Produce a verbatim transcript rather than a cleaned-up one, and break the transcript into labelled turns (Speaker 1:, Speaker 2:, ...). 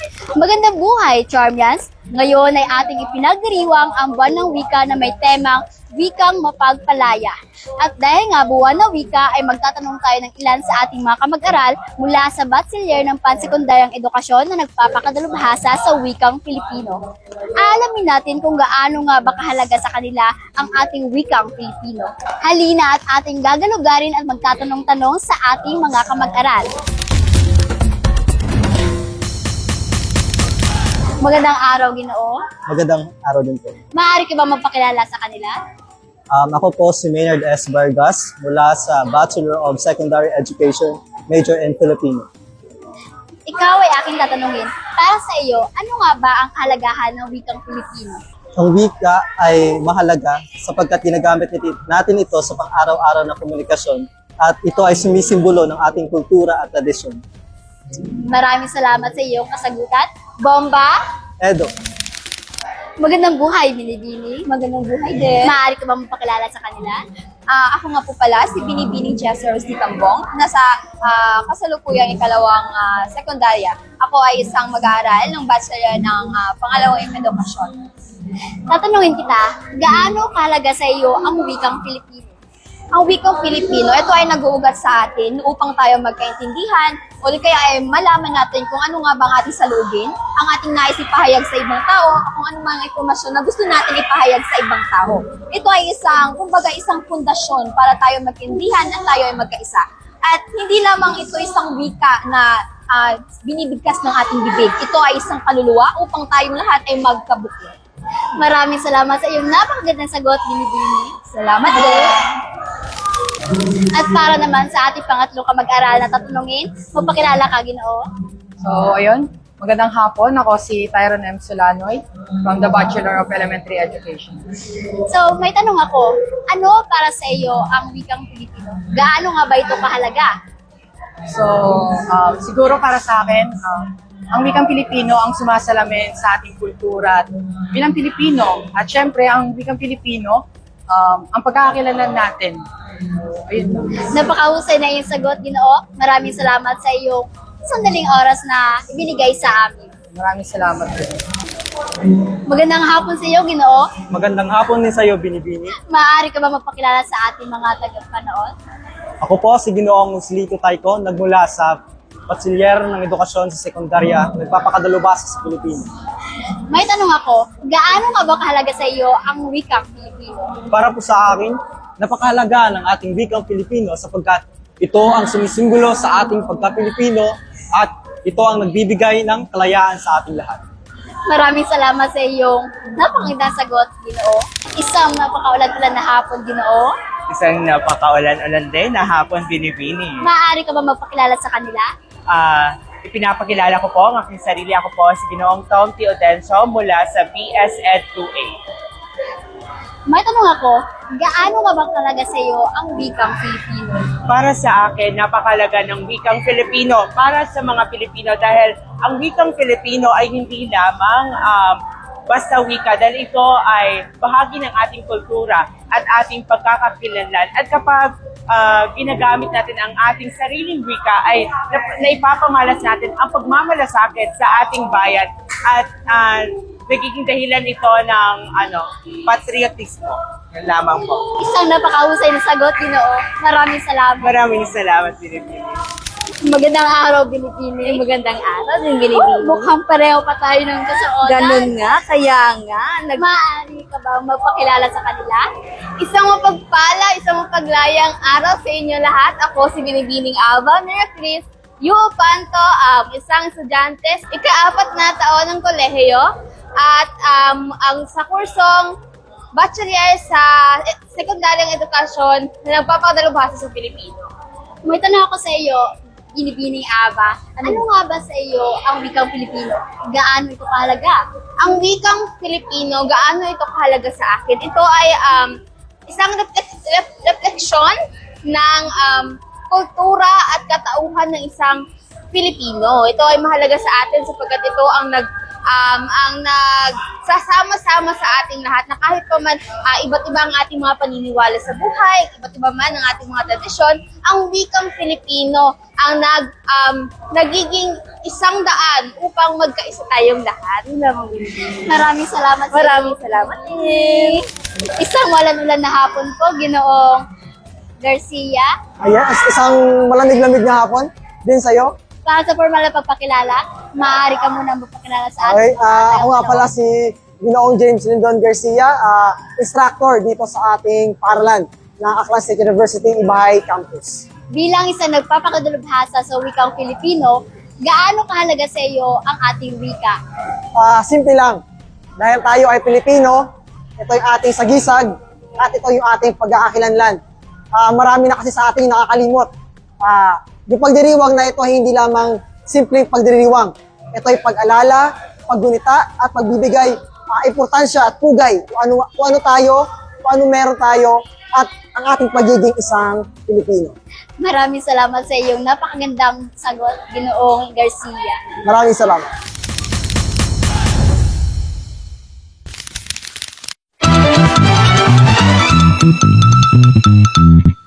Speaker 1: Magandang buhay, Charmians! Ngayon ay ating ipinagdiriwang ang buwan ng wika na may temang Wikang Mapagpalaya. At dahil nga buwan ng wika ay magtatanong tayo ng ilan sa ating mga kamag-aral mula sa Bachelor ng Pansekundaryang Edukasyon na nagpapakadalubhasa sa wikang Pilipino. Alamin natin kung gaano nga ba kahalaga sa kanila ang ating wikang Pilipino. Halina at ating gagalugarin at magtatanong-tanong sa ating mga kamag-aral. Magandang araw, Ginoo.
Speaker 2: Magandang araw din po.
Speaker 1: Maaari ka ba magpakilala sa kanila?
Speaker 2: Um, ako po si Maynard S. Vargas mula sa Bachelor of Secondary Education, major in Filipino.
Speaker 1: Ikaw ay aking tatanungin. Para sa iyo, ano nga ba ang kahalagahan ng wikang Pilipino?
Speaker 2: Ang wika ay mahalaga sapagkat ginagamit natin ito sa pang-araw-araw na komunikasyon at ito ay sumisimbolo ng ating kultura at tradisyon.
Speaker 1: Maraming salamat sa iyong kasagutan. Bomba!
Speaker 2: Edo,
Speaker 1: Magandang buhay, Binibini.
Speaker 3: Magandang buhay din.
Speaker 1: Maaari ka ba mapakilala sa kanila?
Speaker 3: Ah, ako nga po pala, si Binibining Chester Rose Tambong. Nasa ah, kasalukuyang ikalawang ah, sekundarya. Ako ay isang mag-aaral ng Bachelor ng ah, Pangalawang Edukasyon.
Speaker 1: Tatanungin kita, gaano kahalaga sa iyo ang wikang Pilipino?
Speaker 3: Ang wikang Filipino, ito ay nag-uugat sa atin upang tayo magkaintindihan o di kaya ay malaman natin kung ano nga ba ang ating salugin, ang ating nais ipahayag sa ibang tao, kung ano mga impormasyon na gusto natin ipahayag sa ibang tao. Ito ay isang, kumbaga isang pundasyon para tayo magkaintindihan at tayo ay magkaisa. At hindi lamang ito isang wika na ah, binibigkas ng ating bibig. Ito ay isang kaluluwa upang tayong lahat ay magkabukod.
Speaker 1: Maraming salamat sa iyong napakagandang sagot, Binibini.
Speaker 3: Salamat din!
Speaker 1: At para naman sa ating pangatlong kamag-aral na tatanungin, magpakilala ka, Ginoo.
Speaker 4: So, ayun. Magandang hapon. Ako si Tyron M. Solanoy from the Bachelor of Elementary Education.
Speaker 1: So, may tanong ako, ano para sa iyo ang wikang Pilipino? Gaano nga ba ito kahalaga?
Speaker 4: So, um, siguro para sa akin, um, ang wikang Pilipino ang sumasalamin sa ating kultura at bilang Pilipino. At syempre, ang wikang Pilipino, um, ang pagkakakilanlan natin. Ayun lang.
Speaker 1: Napakahusay na iyong sagot, Ginoo. Maraming salamat sa iyong sandaling oras na ibinigay sa amin.
Speaker 4: Maraming salamat din.
Speaker 1: Magandang hapon sa iyo, Ginoo.
Speaker 2: magandang hapon din sa iyo, Binibini.
Speaker 1: Maaari ka ba magpakilala sa ating mga tagapanood?
Speaker 2: Ako po si Ginoong Muslito Taiko, nagmula sa Bachelor ng Edukasyon sa Sekundarya, nagpapakadalubhasa sa Pilipino.
Speaker 1: May tanong ako, gaano nga ba kahalaga sa iyo ang wikang Pilipino?
Speaker 2: Para po sa akin, napakahalaga ng ating wikang Pilipino sapagkat ito ang sumisimbolo sa ating pagka-Pilipino at ito ang nagbibigay ng kalayaan sa ating lahat.
Speaker 1: Maraming salamat sa iyong napakagandang sagot, Ginoo. Isang napakaulan-ulan na hapon, Ginoo.
Speaker 5: Isang napakaulan-ulan din na hapon Binibini.
Speaker 1: Maaari ka ba magpakilala sa kanila?
Speaker 5: Ah, ipinapakilala ko po ang aking sarili. Ako po si Ginoong Tom T. Odenso mula sa B S Ed two A.
Speaker 1: May tanong ako, gaano nga ba kahalaga sa iyo ang wikang Filipino?
Speaker 5: Para sa akin, napakalaga ng wikang Filipino para sa mga Pilipino dahil ang wikang Filipino ay hindi lamang um, basta wika dahil ito ay bahagi ng ating kultura at ating pagkakakilanlan. At kapag uh, ginagamit natin ang ating sariling wika ay nap- naipapamalas natin ang pagmamalasakit sa ating bayan at uh, nagiging dahilan ito ng ano, patriotismo. Yan lamang po.
Speaker 1: Isang napakahusay na sagot, Ginoo. Maraming salamat.
Speaker 5: Maraming salamat, Binibini.
Speaker 1: Magandang araw, Binibini.
Speaker 3: Magandang araw din, Binibining.
Speaker 1: Mukhang pareho pa tayo ng kasuotan.
Speaker 3: Ganun nga, kaya nga. Nag-
Speaker 1: Maaari ka ba magpakilala sa kanila?
Speaker 3: isang mapagpala, isang mapaglayang araw sa inyo lahat. Ako si Binibining Alba Miracris, Yu Panto, um, isang estudyante, ika-apat na taon ng kolehiyo, at um, ang sa kursong Bachelor sa Sekundaryang Edukasyon na nagpapadalubhasa sa Pilipino.
Speaker 1: May tanong ako sa iyo, Binibining Aba. Ano nga ba sa iyo ang wikang Pilipino? Gaano ito kahalaga?
Speaker 3: Ang wikang Filipino, gaano ito kahalaga sa akin? Ito ay um, isang reflek- ref- refleksyon ng um, kultura at katauhan ng isang Filipino. Ito ay mahalaga sa atin sapagkat ito ang nag um, ang nagsasama-sama sa ating lahat na kahit pa man ah, iba't iba ang ating mga paniniwala sa buhay, iba't iba man ang ating mga tradisyon, ang wikang Filipino ang nag, um, nagiging isang daan upang magkaisa tayong lahat. Yun lang ang Pilipino.
Speaker 1: Maraming salamat. sa
Speaker 3: Maraming
Speaker 1: iyo.
Speaker 3: salamat.
Speaker 1: Eh, Isang walan-ulan na hapon po, Ginoong Garcia.
Speaker 6: Ayan, is- isang malamig-lamig na hapon din sa'yo.
Speaker 1: Para sa formal na pagpakilala, maaari ka muna magpakilala sa
Speaker 6: Okay,
Speaker 1: atin.
Speaker 6: ah, ako nga pala si Ginoong James Lindon Garcia, ah, instructor dito sa ating paaralan ng Aklan State University, Ibahay Campus.
Speaker 1: Bilang isang nagpapakadalubhasa sa wikang Filipino, gaano kahalaga sa iyo ang ating wika?
Speaker 6: Ah, simple lang, dahil tayo ay Pilipino, ito yung ating sagisag, at ito yung ating pag-aakilanlan. Ah, marami na kasi sa ating nakakalimot. Ah, yung pagdiriwang na ito ay hindi lamang simpleng pagdiriwang. Ito ay pag-alala, paggunita, at pagbibigay ah, importansya at pugay kung ano, kung ano tayo, kung ano meron tayo, at ang ating pagiging isang Pilipino.
Speaker 1: Maraming salamat sa iyong napakagandang sagot, Ginoong Garcia.
Speaker 6: Maraming salamat.
Speaker 7: Thank you.